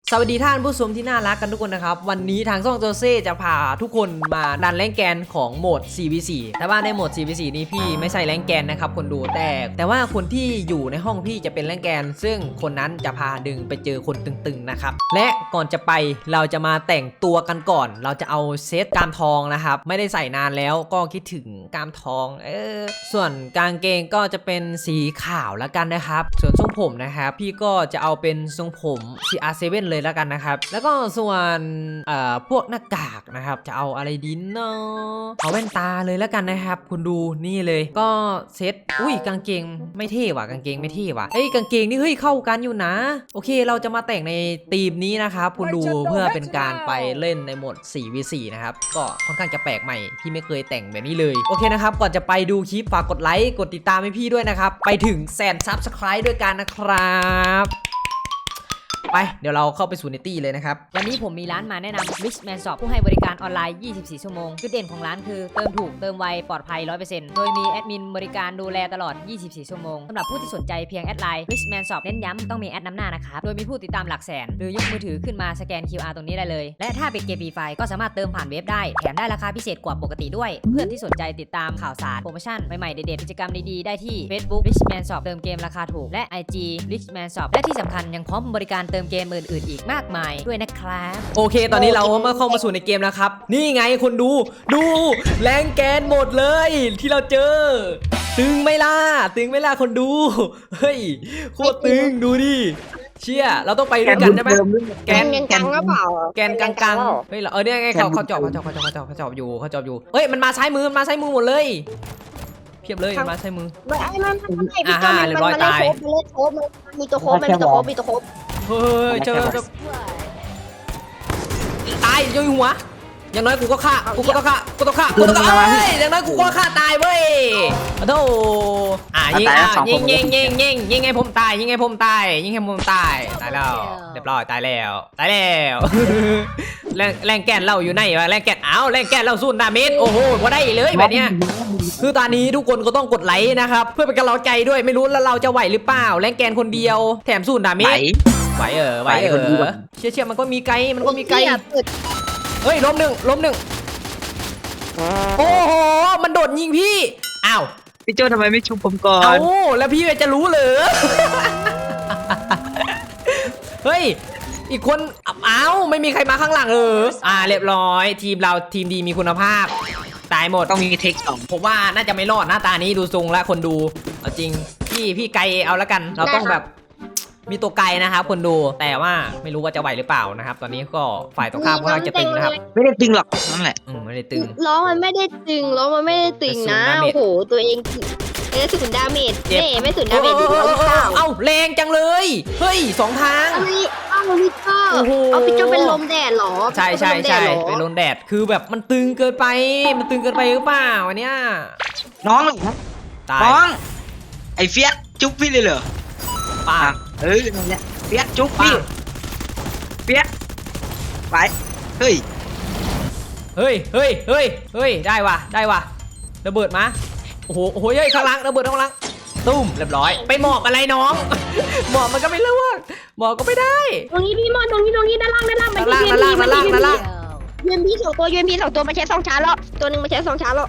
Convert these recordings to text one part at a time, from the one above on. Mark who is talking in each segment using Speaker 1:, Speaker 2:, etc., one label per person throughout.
Speaker 1: สวัสดีท่านผู้ชมที่น่ารักกันทุกคนนะครับวันนี้ทางช่องโจเซ่จะพาทุกคนมาดันแรงแกนของโหมด 4v4 แต่ว่าในโหมด 4v4 นี้พี่ไม่ใช่แรงแกนนะครับคนดูแต่ว่าคนที่อยู่ในห้องพี่จะเป็นแรงแกนซึ่งคนนั้นจะพาดึงไปเจอคนตึงๆนะครับและก่อนจะไปเราจะมาแต่งตัวกันก่อนเราจะเอาเซตกามทองนะครับไม่ได้ใส่นานแล้วก็คิดถึงกามทองส่วนกางเกงก็จะเป็นสีขาวแล้วกันนะครับส่วนทรงผมนะครับพี่ก็จะเอาเป็นทรงผม CR7 เลยแล้วกันนะครับแล้วก็ส่วนพวกหน้ากากนะครับจะเอาอะไรดีเนาะเอาแว่นตาเลยแล้วกันนะครับคุณดูนี่เลยก็เซตอุ้ยกางเกงไม่เท่ว่ะกางเกงไม่เท่ว่ะกางเกงนี่เฮ้ยเข้ากันอยู่นะโอเคเราจะมาแต่งในธีมนี้นะครับคุณดูเพื่อเป็นการไปเล่นในโหมด 4v4 นะครับก็ค่อนข้างจะแปลกใหม่พี่ไม่เคยแต่งแบบนี้เลยโอเคนะครับก่อนจะไปดูคลิปฝากกดไลค์กดติดตามให้พี่ด้วยนะครับไปถึง100,000 Subscribe ด้วยกันนะครับไปเดี๋ยวเราเข้าไปสู่ในตี้เลยนะครับ
Speaker 2: วันนี้ผมมีร้านมาแนะนำ Richman Shop ผู้ให้บริการออนไลน์ 24 ชั่วโมงจุดเด่นของร้านคือเติมถูกเติมไวปลอดภัย 100% โดยมีแอดมินบริการดูแลตลอด 24 ชั่วโมงสำหรับผู้ที่สนใจเพียงแอดไลน์ Richman Shop เน้นย้ำต้องมีแอดนำหน้านะครับโดยมีผู้ติดตามหลักแสนหรือยกมือถือขึ้นมาสแกน QR ตรงนี้ได้เลยและถ้าเป็นเกมฟรีไฟก็สามารถเติมผ่านเว็บได้แถมได้ราคาพิเศษกว่าปกติด้วยเพื่อนที่สนใจติดตามข่าวสารโปรโมชั่นใหม่ๆเด็ดๆกิจกรรมดีๆได้ที่ Facebook Richman Shop เติมเกมราคาถูกและ IG Richman Shop และที่สำคัญยังพร้อมบริการเติมเกมอื่นๆอีกมากมายด้วยนะครับ
Speaker 1: โอเคตอนนี้เราเข้ามาสู่ในเกมแล้วครับนี่ไงคนดูแรงแกนหมดเลยที่เราเจอตึงไม่ล่ะคนดูเฮ้ยโคตรตึงดูดิเชี่ยเราต้องไปด้วยกันได้ไหมแกน
Speaker 3: กลางก็เปล่า
Speaker 1: แกนกลางเฮ้ยเนี่ยไงเขาจอบอยู่เฮ้ยมันมาซ้ายมือหมดเลยเพียบเลยมาซ้ายมือ
Speaker 3: ไม่
Speaker 1: เรียบร้อยตาย
Speaker 3: มีตัวโค้บ
Speaker 1: เฮ้ยเจอตายโยนหัวอย่างน้อยกูก็ฆ่าอย่างน้อยกูก็ฆ่าตายเว้ยโธ่ยิงไงผมตายตายแล้วเรียบร้อยตายแล้วแรงแกนเราอยู่ไหนวะแรงแกนแรงแกนเราสู้ดาเมจโอ้โหว่าได้เลยแบบเนี้ยคือตอนนี้ทุกคนก็ต้องกดไลค์นะครับเพื่อเป็นกำลังใจด้วยไม่รู้แล้วเราจะไหวหรือเปล่าแรงแกนคนเดียวแถมสู้ดาเมจไหวเชี่ยมันก็มีไกลเฮ้ยล้มหนึ่งโอ้โหมันโดดยิงพี่อ้าว
Speaker 4: พี่โจทำไมไม่ชุบผมก่อน
Speaker 1: แล้วพี่จะรู้เหรอ เฮ้ยอีกคนไม่มีใครมาข้างหลังเรียบร้อยทีมเราทีมดีมีคุณภาพตายหมด
Speaker 4: ต้องมีเทคสอง
Speaker 1: ผมว่าน่าจะไม่รอดหน้าตานี้ดูทรงแล้วคนดูเอาจริงพี่ไกลเอาละกันเราต้องแบบมีตัวไกลนะครับคนดูแต่ว่าไม่รู้ว่าจะไหวหรือเปล่านะครับตอนนี้ก็ฝ่ายตรงข้ามค่อนข้างจะตึงนะครับ
Speaker 4: ไม่ได้ตึงหรอกนั่นแหละ
Speaker 1: ไม่ได้ตึง
Speaker 3: ล้อมันไม่ได้ตึงนะโอ้โหตัวเองศูนย์ดาเมจไม่ศูนย์ดาเมจ
Speaker 1: แรงจังเลยเฮ้ย2 ทาง
Speaker 3: พี่โจเป็นลมแดดหรอ
Speaker 1: ใช่เป็นลมแดดคือแบบมันตึงเกินไปหรือเปล่าอันเนี้ย
Speaker 4: น้องไอ้เฟียสจุ๊บพี่เลยเหรอ
Speaker 1: ป้า
Speaker 4: นั่นแหละเฟียสจุ๊บพี่เฟียสไปเฮ้ย
Speaker 1: ได้ว่ะระเบิดมาโอ้โหเฮ้ยข้างหลังระเบิดข้างหลังตุ้มเรียบร้อยไปหมอกอะไรน้องหมอกมันก็ไม่เลือกหมอกก็ไม่ได้
Speaker 3: ตรงนี้พี่มอนตรงนี้ด้านล่าง
Speaker 1: มัน
Speaker 3: ยืนพี่2 ตัวมาใช้2 ชาร์จแล้วตัวนึงมาใช้2 ชาร์จแล้ว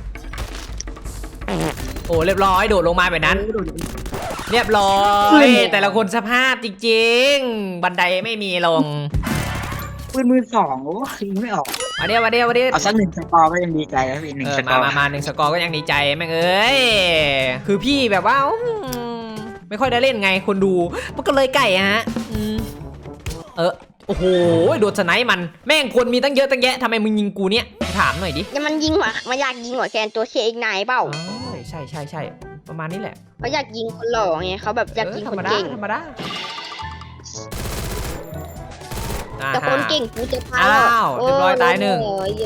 Speaker 1: โอ้เรียบร้อยโดดลงมาแบบนั้นเรียบร้อยแต่ละคนสภาพจริงๆบันไดไม่มีลง
Speaker 4: ปืนมือ2โอ้ยิงไม่ออก
Speaker 1: มาเดี๋ยว
Speaker 4: เอาสัก1 สกอร์ก็ยังดีใจแล้วพี่1 สกอร์
Speaker 1: มา1 สกอร์ก็ยังดีใจแม่งคือพี่แบบว่าไม่ค่อยได้เล่นไงคนดูมันก็เลยไก่ฮะโอ้โหโดนสไนป์มันแม่งคนมีตั้งเยอะตั้งแยะทำไมมึงยิงกูเนี่ยถามหน่อยดิ
Speaker 3: มันยิงว่ะมันอยากยิงหัวแคนตัวเคอีกนายเปล่า
Speaker 1: ใช่ประมาณนี้แหละ
Speaker 3: เขาอยากยิงคนหล่อไงเขาแบบอยากยิงคนเก่ง
Speaker 1: ธรรมดา
Speaker 3: แต่คนเก่งกูจะพา
Speaker 1: เรียบร้อยตาย1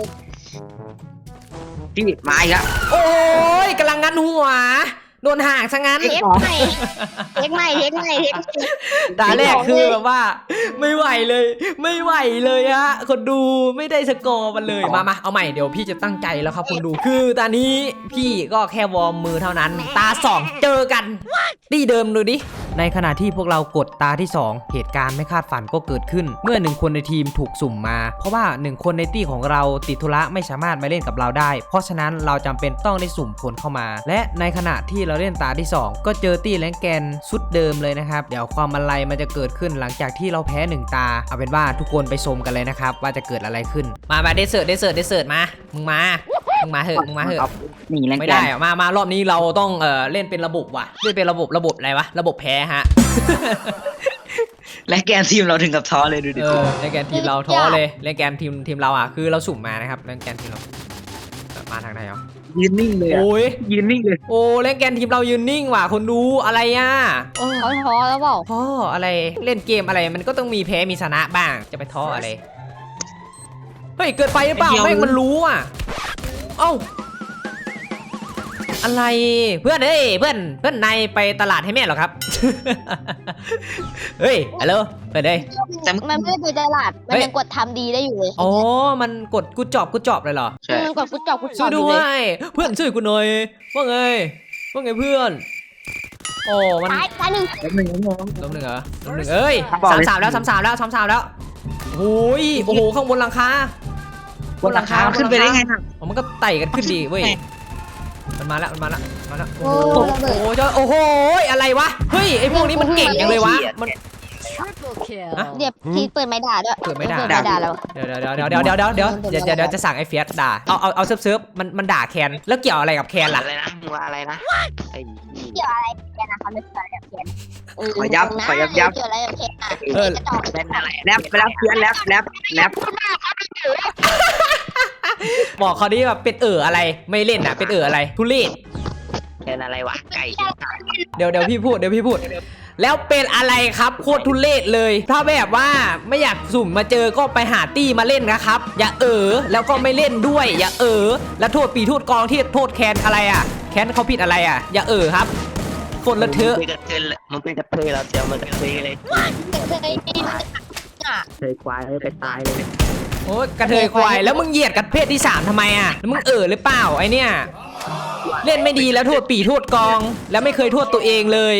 Speaker 4: พี่มาอีกแล้ว
Speaker 1: โอ้ยกำลังงันหัวโดนห่างซะงั้น
Speaker 3: เทคใหม่
Speaker 1: ตาแรกคือแบบว่าไม่ไหวเลยฮะคนดูไม่ได้สกอร์มันเลยมาเอาใหม่เดี๋ยวพี่จะตั้งใจแล้วครับคนดูคือตอนนี้พี่ก็แค่วอร์มมือเท่านั้นตา2เจอกันตีเดิมดูดิในขณะที่พวกเรากดตาที่ 2 เหตุการณ์ไม่คาดฝันก็เกิดขึ้น เมื่อ1คนในทีมถูกสุ่มมาเพราะว่า1คนในตี้ของเราติดธุระไม่สามารถมาเล่นกับเราได้เพราะฉะนั้นเราจำเป็นต้องได้สุ่มคนเข้ามาและในขณะที่เราเล่นตาที่ 2 ก็เจอตี้แรงแกนชุดเดิมเลยนะครับเดี๋ยวความอะไรมันจะเกิดขึ้นหลังจากที่เราแพ้1ตาเอาเป็นว่าทุกคนไปชมกันเลยนะครับว่าจะเกิดอะไรขึ้นมาเดสเซิร์ตมามึงมาเหอะ
Speaker 4: หนีแรง
Speaker 1: ไม่
Speaker 4: แก
Speaker 1: ได้
Speaker 4: น
Speaker 1: อะมารอบนี้เราต้องเล่นเป็นระบบว่ะเล่นเป็นระบบอะไรวะระบบแพ้ฮะ
Speaker 4: แรงแกนทีมเราถึงกับท้อเลยดูดิ
Speaker 1: แรงแกนทีมเราท้อเลยแรงแกนทีมเราอ่ะคือเราสุ่มมานะครับแรงแกนทีมเรามาทางไหนอ่ะ
Speaker 4: ยืนนิ่งเลยอะ
Speaker 1: โอ้ย
Speaker 4: ยืนนิ่งเลย
Speaker 1: โอ้แรงแกนทีมเรายืนนิ่งว่ะคนดูอะไรอ่ะโอ้
Speaker 3: เขาท้อแล้วเปล่า
Speaker 1: ท้ออะไรเล่นเกมอะไรมันก็ต้องมีแพ้มีชนะบ้างจะไปท้ออะไรเฮ้ยเกิดไปหรือเปล่าแม่งมันรู้อ่ะเอ้าอะไรเพื่อนเพื่อนนายไปตลาดให้แม่เหรอครับ เฮ้ยฮัลโหลเพื่อนเอ้ย
Speaker 3: มันไม่ได้ไปตลาดมันยังกดทำดีได้อยู่เลย
Speaker 1: อ๋อมันกดกูจอบเลยเหรอ
Speaker 4: ใช่
Speaker 3: มันกดฟุตจอบ
Speaker 1: ช่วย
Speaker 3: อ
Speaker 1: ด้
Speaker 3: ยู่
Speaker 1: ว
Speaker 3: เลย
Speaker 1: ยเพื่อนช่วยกูหน่อยว่าไงเพื่อนโอ้มัน
Speaker 3: ตายหนึ่ง
Speaker 4: แล้วหนึ่งน้อง
Speaker 1: ล้มหนึ่งเหรอล้มหนึ่งเอ้ย
Speaker 4: บอกเลย
Speaker 1: สามแล้วโอ้ยโอ้โหข้างบนหลังคา
Speaker 4: บนหลังคาขึ้นไปได้ไงน่ะ
Speaker 1: อ๋อมันก็ไต่กันขึ้นดีเว้ยมันมาแล้วโอ้
Speaker 3: โอ้
Speaker 1: โห
Speaker 3: ระเบิด
Speaker 1: โอ้โหอะไรวะเฮ้ยไอพวกนี้มันเก่งจังเลยวะมัน
Speaker 3: เดี๋ยวพีเปิดไม้ด่าด้วย
Speaker 1: เปิดไม้ด่า
Speaker 3: แล้ว
Speaker 1: เดี๋ยวจะสั่งไอ้เฟียสด่าเอาเซิร์ฟมันด่าแคนแล้วเกี่ยวอะไรกับแคนล่ะ
Speaker 4: อะไรนะมึงว่าอะไรนะไอ้
Speaker 3: เกี่ยวอะไรกันนะครับไม่เกี่ยวอะไรกับเขียน
Speaker 4: ขอยับ
Speaker 3: เกี่ยวอะไรกับเขียนอ่ะ
Speaker 1: เออ
Speaker 3: กระจอก
Speaker 4: เป็นอะไรแรปเพี้ยนแรป
Speaker 1: บอกเขาดิแบบเป็นอะไรไม่เล่นอ่ะเป็นอะไรทุเรศ
Speaker 4: เป็นอะไรวะไก่
Speaker 1: เดี๋ยวพี่พูดแล้วเป็นอะไรครับโคตรทุเรศเลย ถ้าแบบว่าไม่อยากสุ่มมาเจอก็ไปหาตี้มาเล่นนะครับอย่าแล้วก็ไม่เล่นด้วยอย่าแล้วโทษปีโทษกองที่โทษแคนอะไรอ่ะแคนเขาผิดอะไรอ่ะอย่าครับคนละเทอะ
Speaker 4: มันเป็นกระเทยเราเจียวมันกระเทยเลย เคยควายไปตายเลย
Speaker 1: โอ้ยกระเทยควายแล้วมึงเหยียดกับเพศที่ 3ทำไมอ่ะแล้วมึงหรือเปล่าไอเนี่ยเล่นไม่ดีแล้วโทษปีโทษกองแล้วไม่เคยโทษตัวเองเลย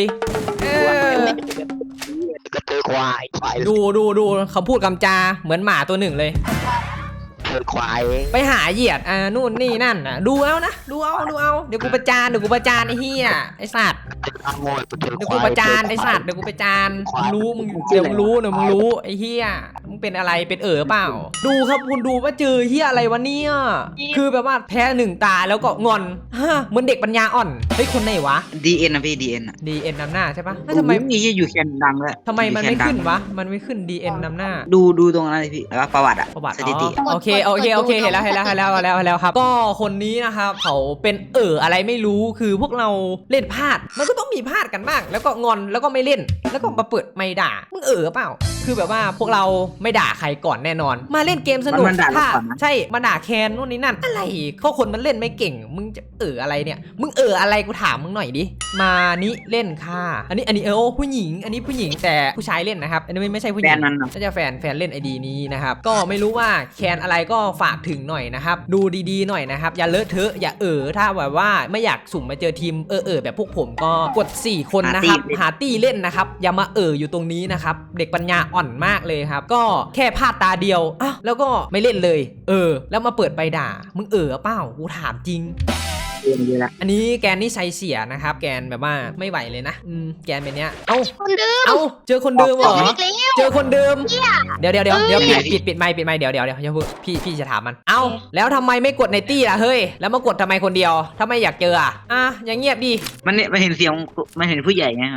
Speaker 4: กระเทยควาย
Speaker 1: ดูเขาพูดคำจาเหมือนหมาตัวหนึ่งเลย
Speaker 4: เธอควาย
Speaker 1: ไปหาเหยียดนู่นนี่นั่นดูเอาเดี๋ยวกูประจานไอ้เหี้ยไอ้สัตว์เดี๋ยวกูประจานไอ้สัตว์เดี๋ยวกูประจานมึงรู้ไอ้เหี้ยมึงเป็นอะไรเป็นเปล่าดูครับคุณดูว่าเจอเหี้ยอะไรวะเนี่ยคือแบบว่าแพ้1ตาแล้วก็งอนเหมือนเด็กปัญญาอ่อนเฮ้ยคนไหนวะ
Speaker 4: DN นะพี่ DN อ่ะ
Speaker 1: DN นำหน้าใช่ปะทำไม
Speaker 4: มีอยู่แคนดังเลย
Speaker 1: ทำไมมันไม่ขึ้นวะมันไม่ขึ้น DN นำหน้า
Speaker 4: ดูตรงนั้นเลยพี่แล้วประวัติอะสถิติ
Speaker 1: โอเคเห็นแล้วครับก็คนนี้นะครับเขาเป็นอะไรไม่รู้คือพวกเราเล่นพลาดมันก็ต้องมีพลาดกันบ้างแล้วก็งอนแล้วก็ไม่เล่นแล้วก็มาเปิดไม่ด่ามึงเปล่าคือแบบว่าพวกเราไม่ด่าใครก่อนแน่นอนมาเล่นเกมสนุกถ้าใช่มาด่าแคนนู่นนี่นั่นอะไรเขาคนมันเล่นไม่เก่งมึงจะอะไรเนี่ยมึงอะไรกูถามมึงหน่อยดิมานี้เล่นค่ะอันนี้ผู้หญิงอันนี้ผู้หญิงแต่ผู้ชายเล่นนะครับอันนี้ไม่ใช่ผู้หญิงน่าจะแฟนเล่นไอดีนี้นะครับก็ไม่รู้ว่าแคนอะไรก็ฝากถึงหน่อยนะครับดูดีๆหน่อยนะครับอย่าเลอะเทอะอย่าถ้าแบบว่าไม่อยากสุ่มมาเจอทีมแบบพวกผมก็กด4คนนะครับหาตี้เล่นนะครับอย่ามาอยู่ตรงนี้นะครับเด็กปัญญาอ่อนมากเลยครับก็แค่พลาดตาเดียวแล้วก็ไม่เล่นเลยแล้วมาเปิดใบด่ามึงเปล่ากูถามจริงอันนี้แกนนี่ใช้เสียนะครับแกนแบบว่าไม่ไหวเลยนะแกนเป็นเนี้ย
Speaker 3: คนเดิม
Speaker 1: เจอคนเดิมเหรอเจอคนเดิมเดี๋ยวปิดไมค์เดี๋ยวอย่าพูดพี่จะถามมันแล้วทำไมไม่กดในตี้ล่ะเฮ้ยแล้วมากดทำไมคนเดียวถ้าไม่อยากเจออย่างเงียบดิ
Speaker 4: มันเห็นเสียงมันเห็นผู้ใหญ่ไง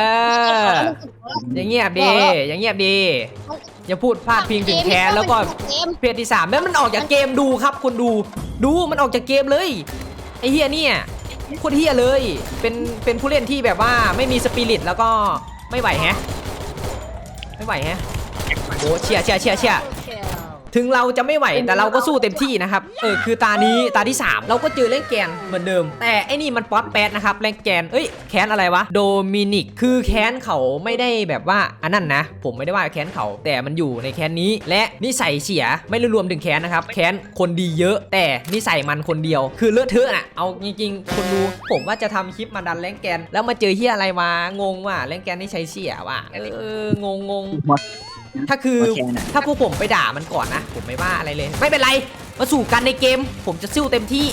Speaker 1: อย่างเงียบดิอย่าพูดพลาดพิงถึงแคนแล้วก็เพจที่3แล้วมันออกจากเกมดูครับคนดูมันออกจากเกมเลยไอ้เฮียเนี่ยโคตรเฮียเลยเป็นผู้เล่นที่แบบว่าไม่มีสปิริตแล้วก็ไม่ไหวแฮะโอ้เชียถึงเราจะไม่ไหวแต่เราก็สู้เต็มที่นะครับคือตานี้ตาที่ 3 เราก็เจอแรงแกนเหมือนเดิมแต่ไอ้นี่มันป๊อตแป๊ดนะครับแรงแกนแค้นอะไรวะโดมินิกคือแค้นเขาไม่ได้แบบว่าอันนั้นนะผมไม่ได้ว่าแค้นเขาแต่มันอยู่ในแค้นนี้และนิสัยเสียไม่ได้รวมถึงแค้นนะครับแค้นคนดีเยอะแต่นิสัยมันคนเดียวคือเลอะเทอะน่ะเอาจริงๆคนดูผมว่าจะทำคลิปมาดันแรงแกนแล้วมาเจอเฮียอะไรมางงว่ะแรงแกนนี่ใช้เสียว่ะงงถ้าพวกผมไปด่ามันก่อนนะผมไม่ว่าอะไรเลยไม่เป็นไรมาสู่กันในเกมผมจะสู้เต็มที่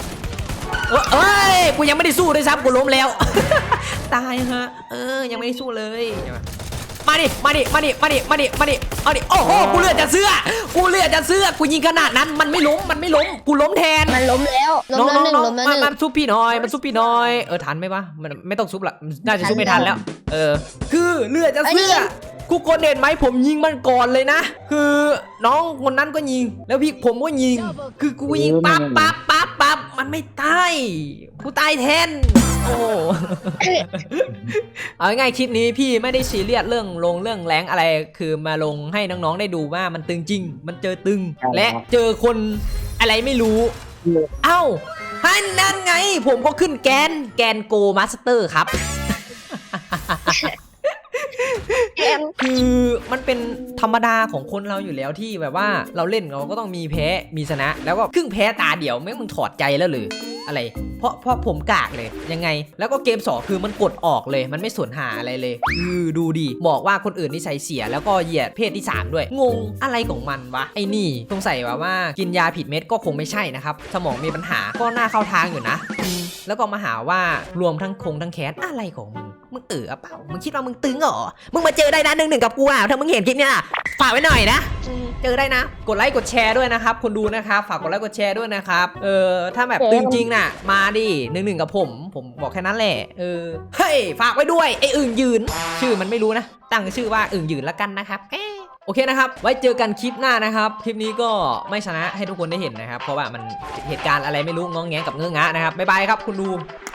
Speaker 1: กูยังไม่ได้สู้ด้วยซ้ำกูล้มแล้ว ตายฮะยังไม่ได้สู้เลยมาดิเอาดิโอ้โหกูเลือดจะเสื้อกูยิงขนาดนั้นมันไม่ล้มกูล้มแทน
Speaker 3: มันล้มแล้วล้มแล้วหนึ่งล้มแล้วหนึ่ง
Speaker 1: มันซุปพี่น้อยทันไหมวะมันไม่ต้องซุปละน่าจะซุปไม่ทันแล้วคือเลือดจะเสื้อกูกดเด่นไหมผมยิงมันก่อนเลยนะคือน้องคนนั้นก็ยิงแล้วพี่ผมก็ยิงคือกูยิงปั๊บมันไม่ตายกูตายแทนโอ้เอาง่ายๆคลิปนี้พี่ไม่ได้ซีเรียสเรื่องแรงอะไรคือมาลงให้น้องๆได้ดูว่ามันตึงจริงมันเจอตึงและเจอคนอะไรไม่รู้เอ้านั่นไงผมก็ขึ้นแกนโกมาสเตอร์ครับ คือมันเป็นธรรมดาของคนเราอยู่แล้วที่แบบว่าเราเล่นเราก็ต้องมีแพ้มีชนะแล้วก็ครึ่งแพ้ตาเดียวมึงถอดใจแล้วหรืออะไรเพราะผมกากเลยยังไงแล้วก็เกม2คือมันกดออกเลยมันไม่สนหาอะไรเลยคือดูดิบอกว่าคนอื่นนิสัยเสียแล้วก็เหยียดเพศที่3ด้วยงงอะไรของมันวะไอ้นี่สงสัยว่ากินยาผิดเม็ดก็คงไม่ใช่นะครับสมองมีปัญหาก็น่าเข้าทางอยู่นะแล้วก็มาหาว่ารวมทั้งทั้งแคสอะไรของมึงเปล่ามึงคิดว่ามึงตึงเหรอมึงมาเจอได้นะ1-1กับกูอ่ะถ้ามึงเห็นคลิปเนี้ยฝากไว้หน่อยนะเจอได้นะกดไลค์กดแชร์ด้วยนะครับคนดูนะครับฝากกดไลค์กดแชร์ด้วยนะครับถ้าแบบตึงจริงน่ะมาดิ1-1กับผมบอกแค่นั้นแหละเฮ้ยฝากไว้ด้วยไอ้อึ่งยืนชื่อมันไม่รู้นะตั้งชื่อว่าอึ่งยืนละกันนะครับโอเคนะครับไว้เจอกันคลิปหน้านะครับคลิปนี้ก็ไม่ชนะให้ทุกคนได้เห็นนะครับเพราะว่ามันเหตุการณ์อะไรไม่รู้ง้องแงกับเงื้องะนะครับบ๊ายบายครับคุณดู